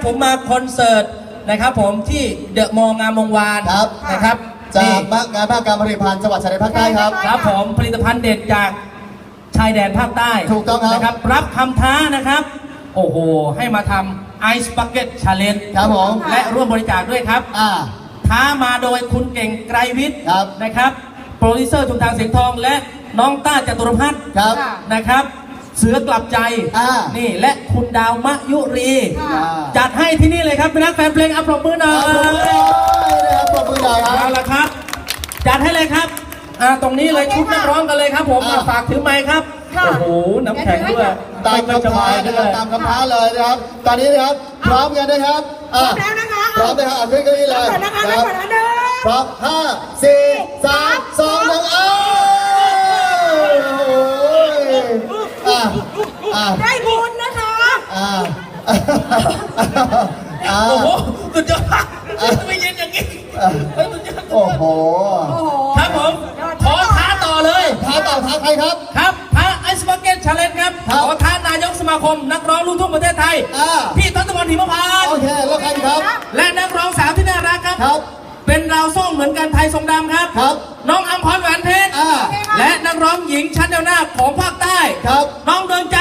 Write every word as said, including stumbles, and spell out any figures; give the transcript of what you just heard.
ผมมาคอนเสิร์ตนะครับผมที่เดอะมอลล์งามวงวานนะครับจากงานภาคการผลิตภัณฑ์จังหวัดชายแดนภาคใต้ครับครับผมผลิตภัณฑ์เด็ดจากชายแดนภาคใต้ถูกต้องครับนะครับรับคำท้านะครับโอ้โหให้มาทำไอซ์บักเก็ตชาเลนจ์ครับผมและร่วมบริจาคด้วยครับอ่าท้ามาโดยคุณเก่งไกรวิทย์ครับนะครับโปรดิวเซอร์ชุมทางเสียงทองและน้องต้าจตุรพัฒน์ครับนะครับเสือกลับใจนี่และคุณดาวมะยุรีจัดให้ที่นี่เลยครับเป็นนักแฟนเพลงอัปรบมือหน่อยนะครับปรบมือหน่อยครับเอาละครับจัดให้เลยครับอ่าตรงนี้เลยชุดนักร้องกันเลยครับผมฝากถือไมค์ครับโอ้โหน้ำแข็งด้วยตามคำท้านะครับตามคำท้าเลยนะครับตอนนี้นะครับพร้อมกันนะครับพร้อมแล้วนะคะพร้อมนะครับขึ้นเก้าอี้เลยนะครับพร้อมห้าสี่สามสองหนึ่งเอ้อ่าอ่าได้บุญนะคะอ่าโอ้โหสุดยอดไม่เย็นอย่างนี้โอ้โหครับผมขอท้าต่อเลยท้าต่อท้าใครครับครับท้าไอซ์บักเก็ตชาเลนจ์ครับขอท้านายกสมาคมนักร้องลูกทุ่งประเทศไทยพี่ทศพลหิมพานต์โอเคแล้วใครครับและนักร้องสาวที่น่ารักครับครับเป็นราวส้มเหมือนกันไทยทรงดำครับครับน้องอัมพรแหวนเพชรและนักร้องหญิงชั้นแนวหน้าของภาคใต้ครับน้องดวงใจ